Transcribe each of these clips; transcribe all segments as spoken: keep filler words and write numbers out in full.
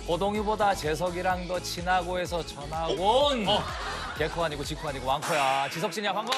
호동이보다 재석이랑 더 친하고 해서 전화고 온 어. 개코 아니고 지코 아니고 왕코야. 지석진이야, 반가워.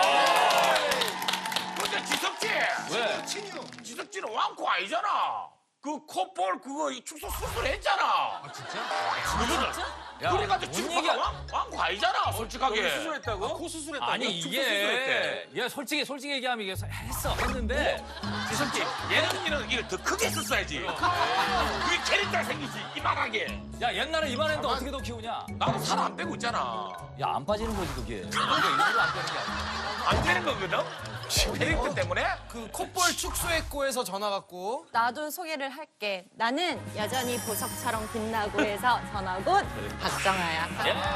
근데 지석진! 왜? 지석진은 왕코 아니잖아. 그 콧볼 그거 이 축소 수술했잖아. 아 진짜? 야, 그래가지고 뭔 지금 얘기야? 왕, 왕코 아니잖아 솔직하게. 수술했다고? 코 수술했다고? 아니 축소 이게 수술했대. 얘 솔직히 솔직히 얘기하면 이게 했어 했는데 지석진 얘는 이런 이를 더 크게 썼어야지. 그게 캐릭터가 생기지 이만하게. 야 옛날에 이만했는데 어떻게 더 키우냐? 나도 살 안 빼고 있잖아. 야 안 빠지는 거지 그게. 이게 일부러 안 빼는 게 아니야. 안 되는 거거든? 캐릭터 때문에? 그 콧볼 축소했고에서 전화 왔고. 나도 소개를 할게. 나는 여전히 보석처럼 빛나고 해서 전화곧 박정아야.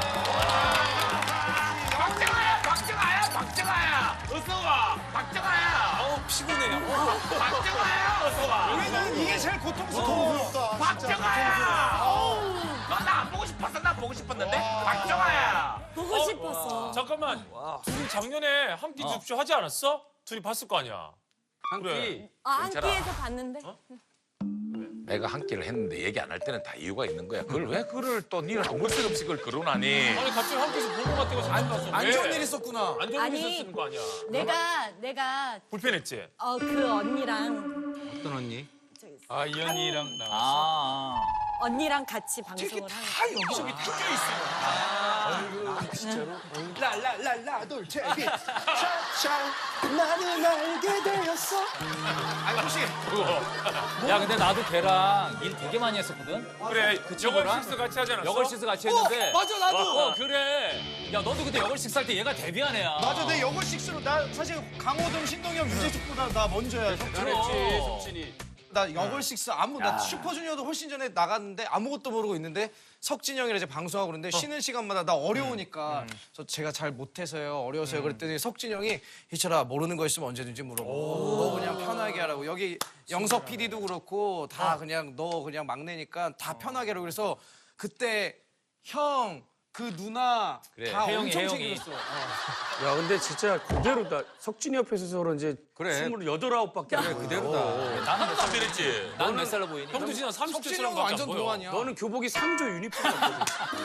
박정아야, 박정아야, 박정아야. 어서 와, 박정아야. 어우 피곤해. 박정아야, 어서 와. 우리는 이게 제일 고통스럽다. 박정아야. 너 나 안 보고 싶었어? 나 보고 싶었는데. 박정아야. 보고 싶었어. 잠깐만. 둘이 작년에 한 끼 줍쇼 하지 않았어? 둘이 봤을 거 아니야. 한 그래. 끼. 아, 한 끼에서 봤는데. 내가 한 끼를 했는데 얘기 안 할 때는 다 이유가 있는 거야. 그걸 왜 그걸 또 니는 아무 색 없이 그걸 거론하니? 아니 갑자기 한 끼에서 본 거 같다고 생각났어. 안 좋은 일 있었구나. 안 좋은 아니. 일 있었는 거 아니야. 내가 내가 불편했지? 어 그 언니랑 어떤 언니? 아 이현이랑 나. 아. 언니랑 같이 방송을 하는. 다 여기저기 튀겨 있어. 라라라라 돌체 샤샤 나는 알게 되었어. 아니 혹시 야 근데 나도 걔랑 일 되게 많이 했었거든. 그래. 그 친구랑? 여걸 식스 같이 하지 않았어? 여걸식스 같이 했는데. 맞아 나도. 어 그래. 야 너도 그때 여걸식스 할 때 얘가 데뷔한 애야. 맞아, 내 영어 식스로 나 사실 강호동, 신동엽, 유재석보다 나 먼저야. 그랬지 석진이. 나 영월 식스 아무 나 슈퍼주니어도 훨씬 전에 나갔는데 아무것도 모르고 있는데 석진이 형이랑 이제 방송하고 그러는데 쉬는 시간마다 나 어려우니까 저 제가 잘 못해서요 어려워서요 그랬더니 석진이 형이 희철아 모르는 거 있으면 언제든지 물어봐 너 그냥 편하게 하라고 여기 영석 피디도 그렇고 다 그냥 너 그냥 막내니까 다 편하게 하라고 그래서 그때 형 그 누나 그래, 다 혜영이, 엄청 혜영이. 챙겨줬어. 야, 근데 진짜 그대로다. 석진이 옆에서 그런지 그래. 스물여덟, 아홉밖에 안 돼. 그대로다. 나는 하나도 안 변했지. 나는 몇 살로 보이니? 형도 진짜 삼십 석진이 대처럼 형은 밖에 완전 안 보여. 동안이야. 너는 교복이 상조 유니폼이었거든.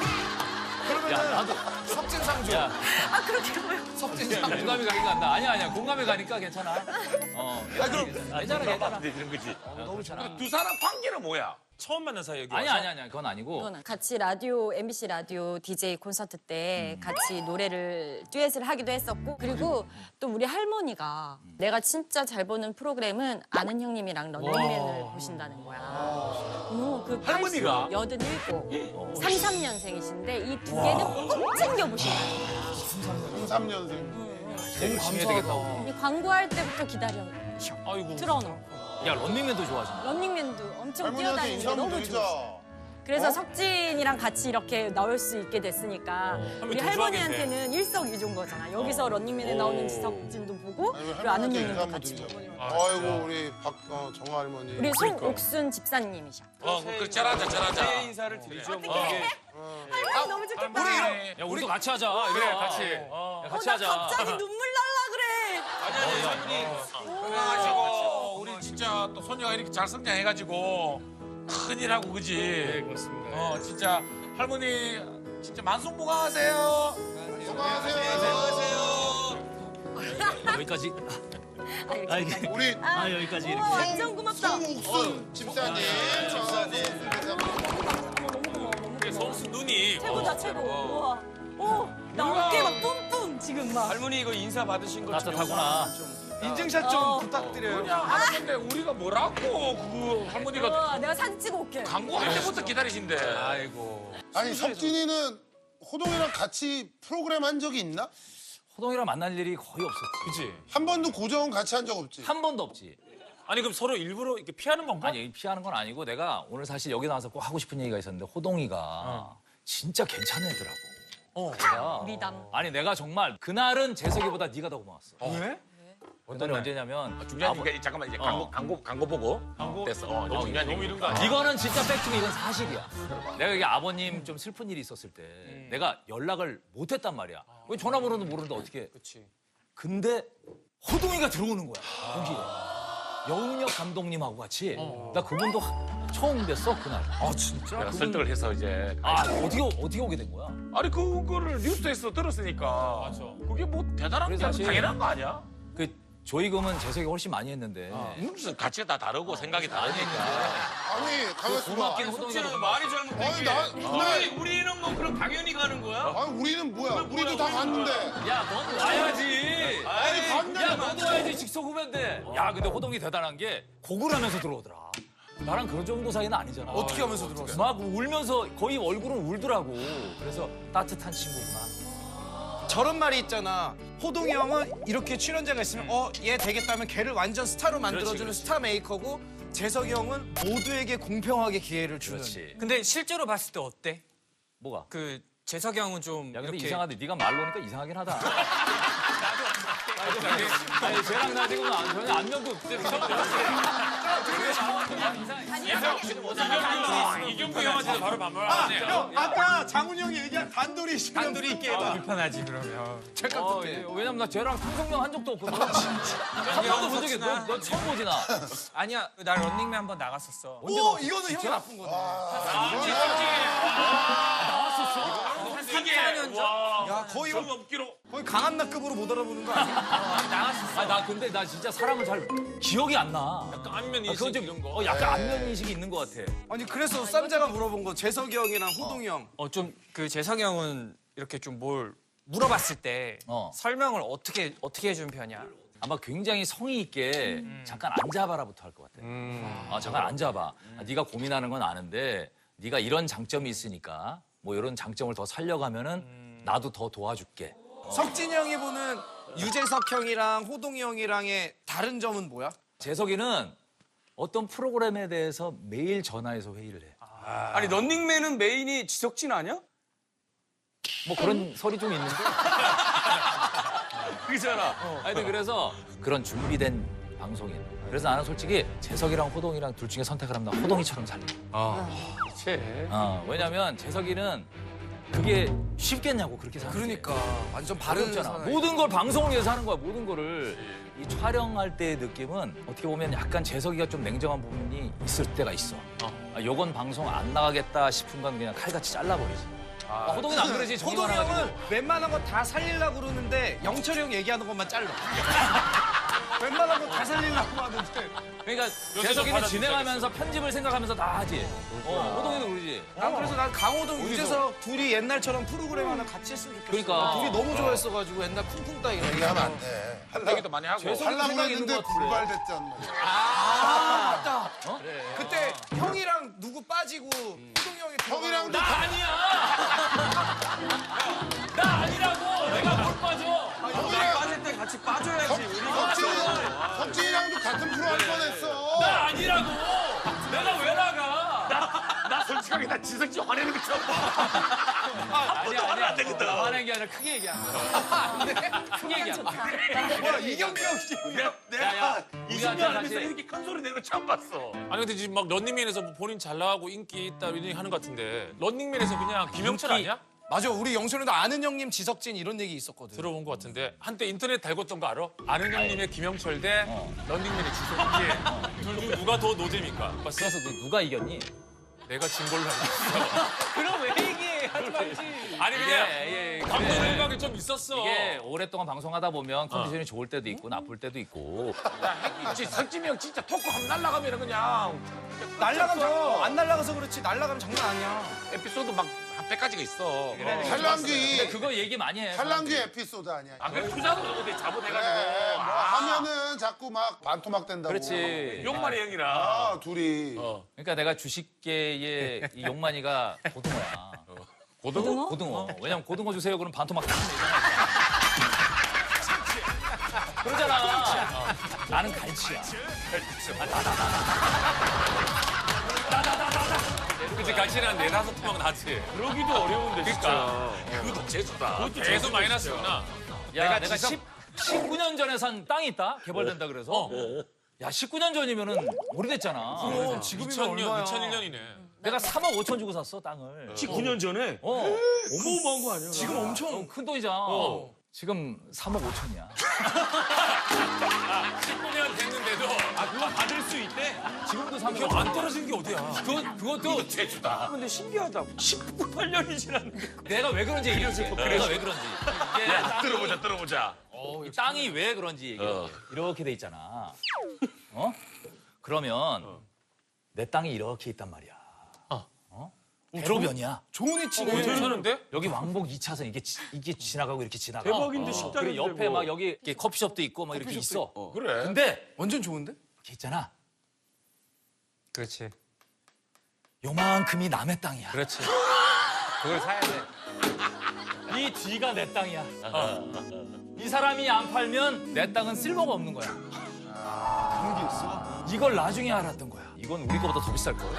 야 나도. 석진 상조. 야 아 그렇게 보여. 석진 상조. 공감이 가긴 간다. 아니야 아니야 공감이 가니까 괜찮아. 어. 아 그럼 괜찮아 괜찮아. 이런 거지. 너무 괜찮아. 두 사람 관계는 뭐야? 처음 만난 사이 여기 아니야 와서? 아니야 아니야 그건 아니고. 이거는 같이 라디오 엠비씨 라디오 디제이 콘서트 때 같이 노래를 듀엣을 하기도 했었고 그리고 또 우리 할머니가 내가 진짜 잘 보는 프로그램은 아는 형님이랑 런닝맨을 보신다는 거야. 어, 그 할머니가? 여든일곱, 삼삼 년생이신데 이 두 개는 꼭 챙겨 보신다는 거야. 삼 년생. 열심히 해야 되겠다. 이 광고할 때부터 기다려 아이고. 틀어놓고 야 런닝맨도 좋아하잖아. 런닝맨도 엄청 뛰어다니는 게 너무 좋아. 그래서 석진이랑 같이 이렇게 나올 수 있게 됐으니까 우리 더 할머니한테는 일석이조인 거잖아. 여기서 런닝맨에 나오는 지석진도 보고 그리고 아는 형님도 같이 보고. 아이고 우리 박 어, 정아 할머니. 우리 송옥순 집사님이셔. 어, 그 잘하자, 잘하자. 새해 인사를 드리죠. 뭐. 할머니 너무 좋겠다. 야 우리도 같이 하자. 그래 같이. 어, 야, 어, 같이 나 하자. 갑자기 눈물 날라 그래. 아니, 아니, 할머니. 건강하시고, 우리 진짜 또 손녀가 이렇게 잘 성장해가지고 큰일하고, 그지? 네 그렇습니다. 어, 진짜 할머니 진짜 만성무강하세요. 여기까지. 아, 여기까지. 우리 아, 여기까지 우와, 완전 고맙다. 송옥순 집사님. 집사님. 성수 눈이. 최고다 최고. 우와. 오, 나 어깨 막 뿜뿜 지금 막. 할머니 이거 인사 받으신 거 따뜻하구나. 인증샷 좀 어. 부탁드려요. 그냥 하는 건데 우리가 뭐라고 그 할머니가 우와, 내가 사진 찍어 올게. 광고할 때부터 기다리신대. 아이고. 아니 석진이는 호동이랑 같이 프로그램 한 적이 있나? 호동이랑 만날 일이 거의 없었지. 그치? 한 번도 고정 같이 한 적 없지. 한 번도 없지. 아니 그럼 서로 일부러 이렇게 피하는 건가? 아니 피하는 건 아니고 내가 오늘 사실 여기 나와서 꼭 하고 싶은 얘기가 있었는데 호동이가 진짜 괜찮은 애더라고. 어. 내가 미담. 아니 내가 정말 그날은 재석이보다 네가 더 고마웠어. 왜? 그날이 언제냐면 중요한 게 잠깐만 이제 광고 어. 광고 광고 보고 광고? 됐어. 어, 너무, 중요한 너무 얘기. 이런 거 아니야? 이거는 진짜 팩트고 이건 사실이야. 내가 여기 아버님 좀 슬픈 일이 있었을 때 내가 연락을 못했단 말이야. 왜 전화번호도 모르는데 어떻게? 그렇지. 근데 호동이가 들어오는 거야. 거기에. 여운혁 감독님하고 같이 나 그분도 하- 처음 뵀어 그날. 아 진짜? 내가 그분- 설득을 해서 이제 아 어떻게 어떻게 오게 된 거야? 아니 그거를 뉴스에서 들었으니까 맞아. 그게 뭐 대단한 게 그래서 아니라 사실- 당연한 거 아니야? 그 조이금은 재석이 훨씬 많이 했는데. 무슨 가치가 다 다르고 생각이 다르니까. 아니 가만있어 봐. 고맙긴 호동이가 말이 잘못된 아니 게 나 우리, 우리는 뭐 그럼 당연히 가는 거야? 아니 우리는 뭐야? 우리도 다 갔는데. 야넌 와야지. 아니 갔는데 야 너도 와야지 직속 후배인데. 야 근데 호동이 대단한 게 곡을 하면서 들어오더라. 나랑 그런 정도 사이는 아니잖아. 어떻게 하면서 들어왔어? 막 울면서 거의 얼굴은 울더라고. 그래서 따뜻한 친구구나. 저런 말이 있잖아. 호동이 형은 이렇게 출연자가 있으면 어, 얘 되겠다면 걔를 완전 스타로 만들어주는 그렇지. 스타 메이커고 재석이 형은 모두에게 공평하게 기회를 주는. 그렇지. 근데 실제로 봤을 때 어때? 뭐가? 그 재석이 형은 좀 야 근데 이렇게 이상하대. 네가 말로 하니까 이상하긴 하다. 아니, 아니 쟤랑 나 지금 안- 전혀 안면도 없어. 이경규 형한테도 바로 반말하네. 형 아까 장훈 형이 얘기한 단돌이 시간 단둘이 있게 해도 불편하지 그러면. 잠깐 어, 그때. 예, 왜냐면 나 쟤랑 통성명 한 적도 없거든. 한 번도 본 적이 없어. 너, 너 처음 보지 나. 아니야, 나 런닝맨 한 번 나갔었어. 오 이거는 형이 나쁜 거네. 이게 야 거의 좀 없기로. 거의 강한나급으로 못 알아보는 거 아니야? 아, 나 근데 나 진짜 사람을 잘 기억이 안 나. 약간 안면 아, 인식 그건 좀 이런 거. 어, 약간 안면 인식이 있는 것 같아. 아니 그래서 쌈자가 물어본 거 재석이 형이랑 호동이 형. 어 좀 그 재석이 형은 이렇게 좀 뭘 물어봤을 때 어. 설명을 어떻게 어떻게 해준 편이야? 아마 굉장히 성의 있게 잠깐 앉아봐라부터 할 것 같아. 아, 잠깐 앉아봐. 아, 네가 고민하는 건 아는데 네가 이런 장점이 있으니까 뭐 이런 장점을 더 살려가면은 나도 더 도와줄게. 석진이 형이 보는 유재석 형이랑 호동이 형이랑의 다른 점은 뭐야? 재석이는 어떤 프로그램에 대해서 매일 전화해서 회의를 해. 아니 런닝맨은 메인이 지석진 아니야? 뭐 그런 설이 좀 있는데. 그잖아. 하여튼 그래서 그런 준비된 방송인. 그래서 나는 솔직히 재석이랑 호동이랑 둘 중에 선택을 하면 나 호동이처럼 살래. 그치. 어, 왜냐면 재석이는 그게 쉽겠냐고 그렇게 사는 게. 그러니까 완전 바른 어렵잖아. 사나이. 모든 걸 방송을 위해서 하는 거야. 모든 거를. 이 촬영할 때의 느낌은 어떻게 보면 약간 재석이가 좀 냉정한 부분이 있을 때가 있어. 아, 요건 방송 안 나가겠다 싶은 건 그냥 칼같이 잘라버리지. 아, 호동이는 안 그러지. 정이 호동이 많아가지고. 형은 웬만한 거 다 살리려고 그러는데 영철이 형 얘기하는 것만 잘라. 웬만한 거 다 살리려고 하는데. 그러니까 좀 재석이는 받아주기 진행하면서 편집을 생각하면서 다 하지. 어, 호동이도 그러지. 난 그래서 난 강호동, 유재석 둘이 옛날처럼 프로그램 하나 같이 했으면 좋겠어. 그러니까. 둘이 너무 좋아했어가지고 옛날 쿵쿵 따위가. 얘기하면 안 돼. 할 얘기도 많이 하고. 재석- 하려고 생각이 있는 했는데 것 같은데. 불발됐단 말이야. 아, 맞다. 그때 형이랑 누구 빠지고 호동이 형이 형이랑도 나 아니야. 나 아니라고. 내가 뭘 빠져. 형이랑 빠질 때 같이 빠져야지. 우리가 석진이 석진이랑도 같은 프로 할 뻔했어. 나 아니라고. 내가 왜 나가? 나 솔직하게 나 지석진 화내는 거 처음 봐. 아니야 아니야. 안 되거든. 화낸 게 아니라 크게 얘기한 거야. 크게 얘기한 거야. 뭐야 이경규 형 씨. 야야. 이십 년 하면서 이렇게 큰 소리 내는 거 처음 봤어. 아니 근데 지금 막 런닝맨에서 뭐 본인 잘 나가고 인기 있다 이런 얘기 하는 것 같은데 런닝맨에서 그냥 김영철 인기- 아니야? 맞아 우리 영철이도 아는 형님 지석진 이런 얘기 있었거든. 들어본 것 같은데 한때 인터넷 달궜던 거 알아? 아는 형님의 김영철 대 런닝맨의 지석진. 둘 중 누가 더 노잼입니까? 봤어? 그래서 너 누가 이겼니? 내가 진 걸로 알고 있어. 그럼 왜 얘기해? 하지 말지. 아니 이게, 그냥 예, 감독 그래. 생각이 좀 있었어. 이게 오랫동안 방송하다 보면 컨디션이 좋을 때도 있고 나쁠 때도 있고. 야, 핵 석진이 형 진짜 토크 한번 날라가면 그냥 날라가면 저 안 날라가서 그렇지 날라가면 장난 아니야. 에피소드 막 한 백 가지가 있어. 근데 팔랑귀 그거 얘기 많이 해. 팔랑귀 에피소드 아니야. 아, 그래 투자도 어디 자본해가지고. 그래, 뭐 아, 하면은 자꾸 막 반토막 된다고. 그렇지. 용만이 형이랑. 아 둘이. 그러니까 내가 주식계의 이 용만이가 고등어야. 고등어? 고등어. 왜냐면 고등어 주세요. 그럼 반토막 딱 내잖아. 그러잖아. 나는 갈치야. 그치 같이는 한 네다섯 토막 나지. 그러기도 어려운데 그러니까. 그것도 재수다. 그것도 계속 마이너스구나. 야, 내가 십, 십구 년 전에 산 땅이 있다? 개발된다 그래서. 야, 십구 년 전이면은 오래됐잖아. 그럼 지금이면 이천 년, 얼마야? 이천일 년이네. 내가 삼억 오천 주고 샀어, 땅을. 십구 년 전에 어. 어마어마한 거 아니야? 지금 엄청 큰 돈이잖아. 어. 지금 삼억 오천이야. 십구 년 됐는데도 아 그거 받을 수 있대? 지금도 삼억 이거 안 떨어지는 게 어디야? 그거, 그것도 제주다. 근데 신기하다. 십팔 년이 지났는데. 내가 왜 그런지 얘기해줄게. 내가 왜 그런지. 이게 땅이, 들어보자, 들어보자. 이 땅이 왜 그런지 얘기해. 이렇게 돼 있잖아. 어? 그러면 내 땅이 이렇게 있단 말이야. 어? 대로변이야. 좋은 위치네. 괜찮은데? 여기 왕복 이 차선 이게 지- 이게 지나가고 이렇게 지나가. 대박인데 어. 식당인데 그리고 옆에 뭐. 막 여기 이렇게 커피숍도 있고 막 이렇게 있어. 그래. 근데 완전 좋은데? 이렇게 있잖아. 그렇지. 요만큼이 남의 땅이야. 그렇지. 그걸 사야 돼. 이 뒤가 내 땅이야. 어. 이 사람이 안 팔면 내 땅은 쓸모가 없는 거야. 그런 게 있어? 이걸 나중에 알았던 거야. 이건 우리 거보다 더 비쌀 걸.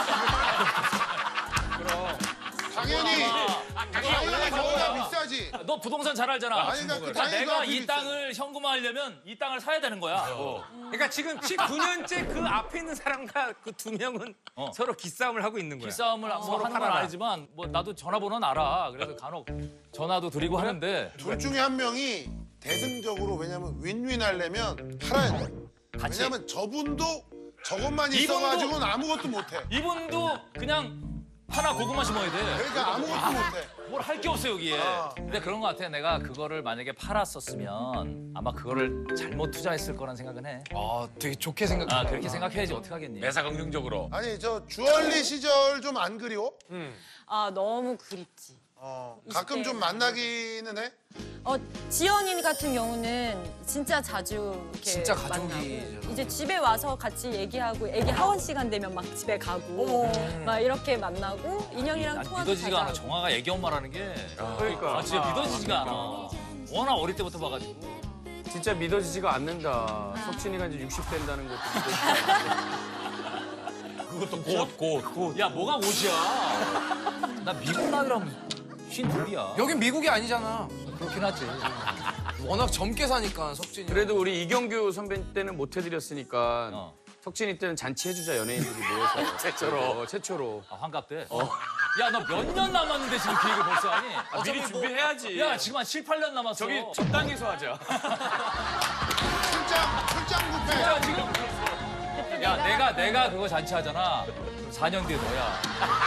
당연히 당연히 저보다 비싸지. 너 부동산 잘 알잖아. 아니, 그러니까 그 그러니까 당연히 내가 그 이 비싸지. 땅을 현금화하려면 이 땅을 사야 되는 거야. 그러니까 지금 십구 년째 그 앞에 있는 사람과 그 두 명은 어. 서로 기싸움을 하고 있는 거야. 기싸움을 뭐 서로 하는 건 팔아라. 아니지만 뭐 나도 전화번호는 알아. 그래서 간혹 전화도 드리고 하는데 둘 중에 한 명이 대승적으로 왜냐면 윈윈 하려면 팔아야 돼. 같이 왜냐면 저분도 저것만 이분도- 있어가지고는 아무것도 못해. 이분도 그냥 하나 고구마 심어야 돼. 그러니까 아무것도 못해. 뭘 할 게 없어 여기에. 아. 근데 그런 것 같아. 내가 그거를 만약에 팔았었으면 아마 그거를 잘못 투자했을 거란 생각은 해. 아, 되게 좋게 생각해. 아 그렇게 생각해야지 어떻게 하겠니? 매사 긍정적으로. 아니 저 주얼리 시절 좀 안 그리워? 아 너무 그립지. 어, 가끔 이십 대 좀 만나기는 해? 어 지연이 같은 경우는 진짜 자주 이렇게 진짜 가족이잖아. 만나고 이제 집에 와서 같이 얘기하고 애기 하원 시간 되면 막 집에 가고 막 이렇게 만나고 인형이랑 난 통화도 믿어지지가 자주 않아. 하고. 정화가 애기 엄마라는 게. 그러니까. 아 진짜 믿어지지가 않아. 워낙 어릴 때부터 봐가지고. 진짜 믿어지지가 않는다. 석진이가 이제 육십 된다는 것도 믿어지지 않는다. 그것도 곧, 곧. 야 뭐가 옷이야? 나 미국 나이라면 쉰 둘이야. 여긴 미국이 아니잖아. 그렇긴 하지. 워낙 젊게 사니까 석진이. 그래도 우리 이경규 선배 때는 못 해드렸으니까 어. 석진이 때는 잔치 해주자 연예인들이 모여서 최초로 어, 최초로 아, 환갑 때? 야, 너 몇 년 남았는데 지금 그 얘기 벌써 하니? 아, 미리 준비해야지. 야, 지금 한 칠, 팔 년 남았어. 저기 적당해서 하자. 출장 출장 뷔페. 야, 지금. 야, 내가, 내가 그거 잔치 하잖아. 그럼 사 년 뒤에 너야.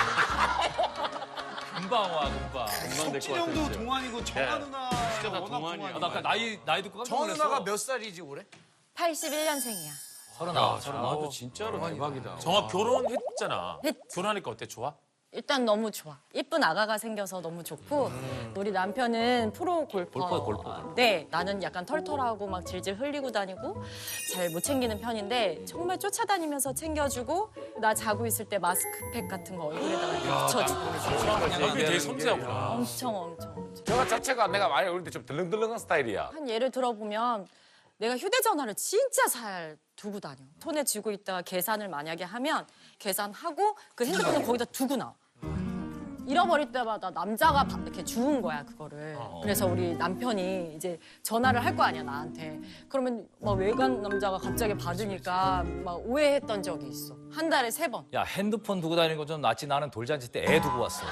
금방 와, 금방. 석진 형도 동안이고 정아 누나 진짜 나 동안이야. 아, 나 아까 나이, 나이 듣고 깜짝 정아 놀랐어. 누나가 몇 살이지 올해? 팔십일 년생이야. 서른아홉, 서른아홉. 나도 진짜로 대박이다. 정아 결혼했잖아. 했지. 결혼하니까 어때? 좋아? 일단 너무 좋아. 예쁜 아가가 생겨서 너무 좋고 우리 남편은 프로 골퍼. 골퍼, 골퍼. 네, 나는 약간 털털하고 막 질질 흘리고 다니고 잘 못 챙기는 편인데 정말 쫓아다니면서 챙겨주고 나 자고 있을 때 마스크팩 같은 거 얼굴에다가 이렇게 붙여주고 얼굴이 되게 섬세하구나. 엄청 엄청 엄청. 저 자체가 내가 많이 어릴 때 좀 들렁들렁한 스타일이야. 한 예를 들어보면 내가 휴대전화를 진짜 잘 두고 다녀. 손에 쥐고 있다가 계산을 만약에 하면 계산하고 그 핸드폰을 거기다 두고 나와. 잃어버릴 때마다 남자가 바- 이렇게 주운 거야 그거를. 그래서 우리 남편이 이제 전화를 할 거 아니야 나한테. 그러면 막 외간 남자가 갑자기 받으니까 막 오해했던 적이 있어. 한 달에 세 번. 야, 핸드폰 두고 다니는 거 좀 낫지. 나는 돌잔치 때 애 두고 왔어.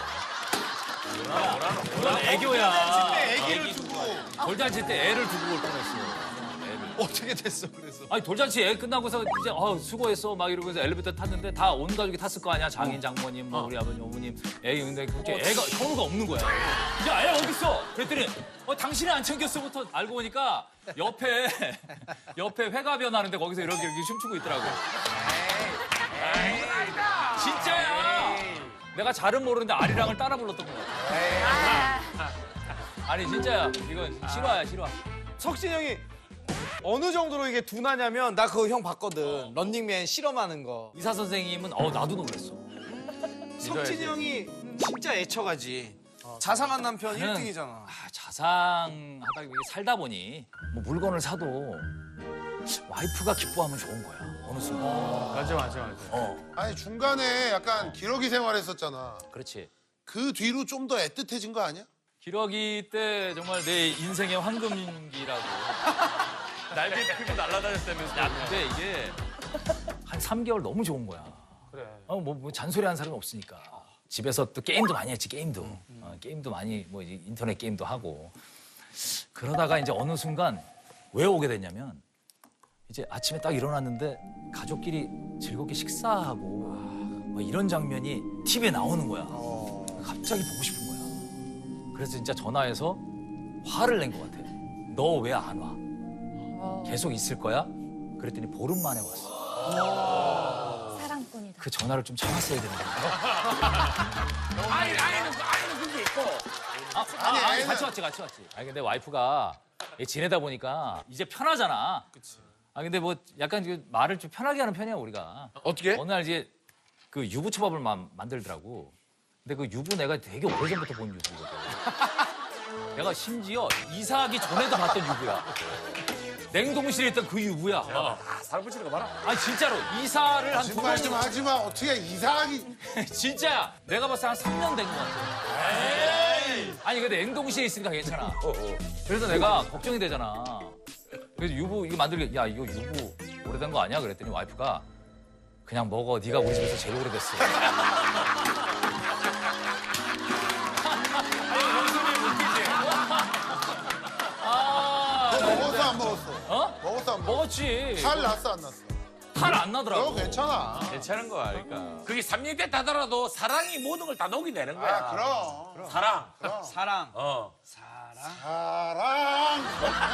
그건 애교야. 애기를 두고 돌잔치 때 애를 두고 올 뻔했어. 어떻게 됐어 그래서? 아니 돌잔치 애 끝나고서 이제 어 수고했어 막 이러면서 엘리베이터 탔는데 다 온 가족이 탔을 거 아니야. 장인 장모님 뭐 우리 아버님 어머님 애 근데 그렇게 애가 현우가 없는 거야. 야 애 어디 있어? 그랬더니 어 당신이 안 챙겼어부터 알고 보니까 옆에 옆에 회가변 하는데 거기서 이렇게 이렇게 춤추고 있더라고. 진짜야. 내가 잘은 모르는데 아리랑을 따라 불렀던 것 같아. 아니 진짜야. 이건 실화야 실화. 석진 형이 어느 정도로 이게 둔하냐면 나 그거 형 봤거든. 런닝맨 실험하는 거. 의사 선생님은 어 나도 놀랐어. 석진 형이 진짜 애처가지. 자상한 남편 나는- 일 등이잖아. 아, 자상하다 이게 살다 보니 뭐 물건을 사도 와이프가 기뻐하면 좋은 거야. 어느 순간. 맞아 맞아 맞아. 어, 아니 중간에 약간 기러기 생활했었잖아. 그렇지. 그 뒤로 좀 더 애틋해진 거 아니야? 기러기 때 정말 내 인생의 황금기라고. 날개 피고 날아다녔다면서. 야, 근데 이게 한 삼 개월 너무 좋은 거야. 그래. 어, 뭐, 뭐 잔소리하는 사람이 없으니까. 집에서 또 게임도 많이 했지, 게임도. 어, 게임도 많이, 뭐 이제 인터넷 게임도 하고. 그러다가 이제 어느 순간 왜 오게 됐냐면 이제 아침에 딱 일어났는데 가족끼리 즐겁게 식사하고 뭐 이런 장면이 티비에 나오는 거야. 갑자기 보고 싶은 거야. 그래서 진짜 전화해서 화를 낸 것 같아. 너 왜 안 와? 계속 있을 거야? 그랬더니 보름 만에 왔어. 사랑꾼이다. 그 전화를 좀 참았어야 되는데. 아이, 아이는, 아이는 그게 있고. 아, 아니, 아니, 같이 왔지, 같이 왔지. 아니, 근데 와이프가 지내다 보니까 이제 편하잖아. 그치. 아, 근데 뭐 약간 그 말을 좀 편하게 하는 편이야, 우리가. 어떻게? 어느 날 이제 그 유부초밥을 마, 만들더라고. 근데 그 유부 내가 되게 오래전부터 본 유부거든. 내가 심지어 이사하기 전에도 봤던 유부야. 냉동실에 있던 그 유부야. 아, 사람 붙이는 거 봐라. 아니, 진짜로. 이사를 한 두 번. 거짓말 좀 하지 마. 어떻게 이상하게. 진짜야. 내가 봤을 때 한 삼 년 된 것 같아. 에이. 아니, 근데 냉동실에 있으니까 괜찮아. 그래서 내가 걱정이 되잖아. 그래서 유부 이거 만들게, 야, 이거 유부 오래된 거 아니야? 그랬더니 와이프가 그냥 먹어. 네가 우리 집에서 제일 오래됐어. 너 먹었어 안 먹었어? 어? 먹었어 안 먹었어? 먹었지. 탈 났어 안 났어? 탈 안 나더라고. 너 괜찮아. 괜찮은 거야, 그러니까. 그게 삼 년 됐다 하더라도 사랑이 모든 걸 다 녹이내는 거야. 아 그럼. 사랑. 사랑. 어. 사랑.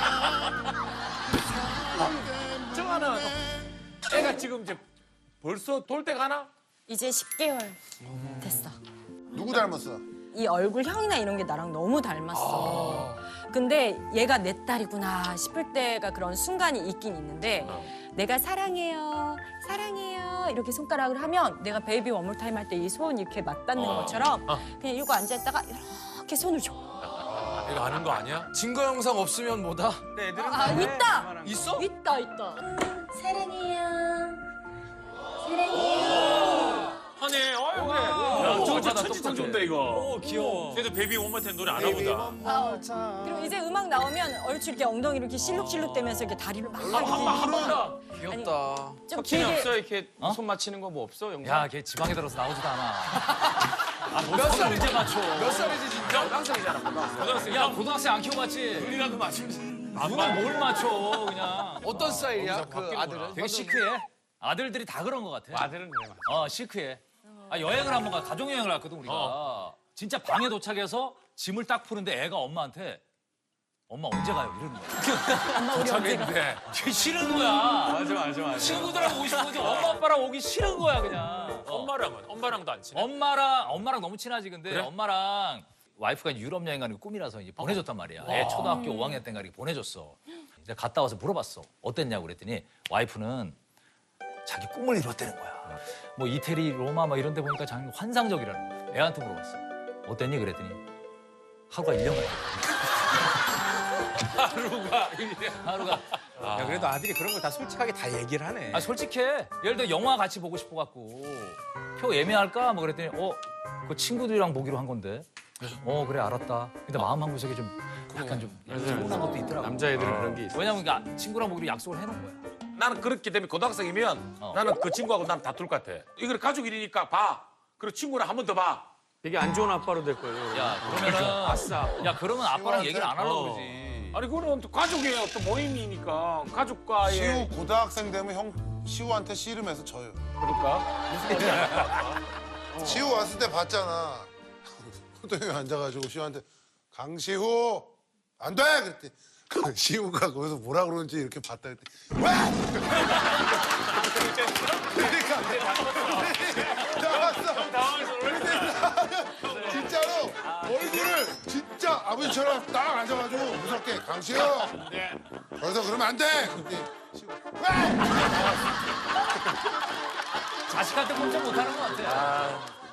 정하는 애가 지금 이제 벌써 돌 때 가나? 이제 십 개월 됐어. 누구 닮았어? 이 얼굴 형이나 이런 게 나랑 너무 닮았어. 근데 얘가 내 딸이구나 싶을 때가 그런 순간이 있긴 있는데 내가 사랑해요, 사랑해요 이렇게 손가락을 하면 내가 베이비 원몰 타임 할 때 이 손 이렇게 맞닿는 것처럼 그냥 이러고 앉아있다가 이렇게 손을 줘. 이거 아는 거 아니야? 증거 영상 없으면 뭐다? 아, 있다! 있어? 있다, 있다. 사랑해요, 하네. 어, 그래. 야, 저거 진짜 똑똑하다, 천지창 똑똑해. 좋다 이거. 오, 귀여워. 그래도 베이비 원모템 노래 아나 보다. 그리고 이제 음악 나오면 얼추 이렇게 엉덩이 이렇게 실룩실룩 대면서 이렇게 다리를 막 귀엽다. 좀 석진이 길게 없어? 이렇게 어? 손 맞히는 거 뭐 없어? 영상? 야, 걔 지방에 들어서 나오지도 않아. 아, 몇 살 언제 맞춰? 몇 살이지 진짜? 고등학생이잖아, 고등학생. 고등학생. 야, 고등학생 안 키워봤지? 우리라도 맞추면 누가 뭘 맞춰, 그냥. 어떤 스타일이야? 그 아들은? 되게 시크해. 아들들이 다 그런 것 같아. 아들은 그래. 맞아. 어, 시크해. 아, 여행을 한번 가, 가족여행을 갔거든, 우리가. 진짜 방에 도착해서 짐을 딱 푸는데 애가 엄마한테 엄마 언제 가요? 이러는 거야. 엄마 우리 언제 가? 네. 되게 싫은 거야. 맞아, 맞아, 맞아. 친구들하고 오고 싶은 거지 엄마 아빠랑 오기 싫은 거야, 그냥. 어. 엄마랑은? 엄마랑도 안 친해? 엄마랑, 엄마랑 너무 친하지, 근데 엄마랑 와이프가 유럽 여행 가는 게 꿈이라서 이제 보내줬단 말이야. 애 초등학교 오 학년 때인가 이렇게 보내줬어. 이제 갔다 와서 물어봤어. 어땠냐고 그랬더니 와이프는 자기 꿈을 이뤘다는 거야. 뭐 이태리, 로마 막 이런 데 보니까 자기 환상적이라는 거야. 애한테 물어봤어. 어땠니? 그랬더니 하루가 일 년 같아. 하루가. 하루가. 야, 그래도 아들이 그런 걸 다 솔직하게 다 얘기를 하네. 아, 솔직해. 예를 들어 영화 같이 보고 싶어갖고 표 예매할까? 뭐 그랬더니 어, 그 친구들이랑 보기로 한 건데. 어, 그래, 알았다. 근데 마음 한구석에 좀 약간 좀 서운한 것도 있더라고. 남자애들은 그런 게 있어. 왜냐면 그러니까 친구랑 보기로 약속을 해놓은 거야. 나는 그렇기 때문에 고등학생이면 어. 나는 그 친구하고 나는 다툴 것 같아. 이걸 가족 일이니까 봐. 그리고 친구랑 한 번 더 봐. 되게 안 좋은 아빠로 될 거예요. 야, 그러면은 아싸. 야, 그러면 아빠랑 얘기를 안 하려고 어. 그러지. 아니 그거는 또 가족의 어떤 모임이니까 가족과의 시우 고등학생 되면 형 시우한테 씨름해서 져요. 그러니까 무슨 말이야? 시우 왔을 때 봤잖아. 호동이 앉아가지고 시우한테 강시우 안 돼! 그랬더니 그 시우가 거기서 뭐라 그러는지 이렇게 봤다 그랬더니 왜! 그러니까 나왔어. 진짜로 얼굴을 진짜 아버지처럼 딱 앉아가지고 무섭게 강시우 거기서 그러면 안 돼! 그랬더니 시우 왜! 자식한테 꼼짝 못하는 것 같아.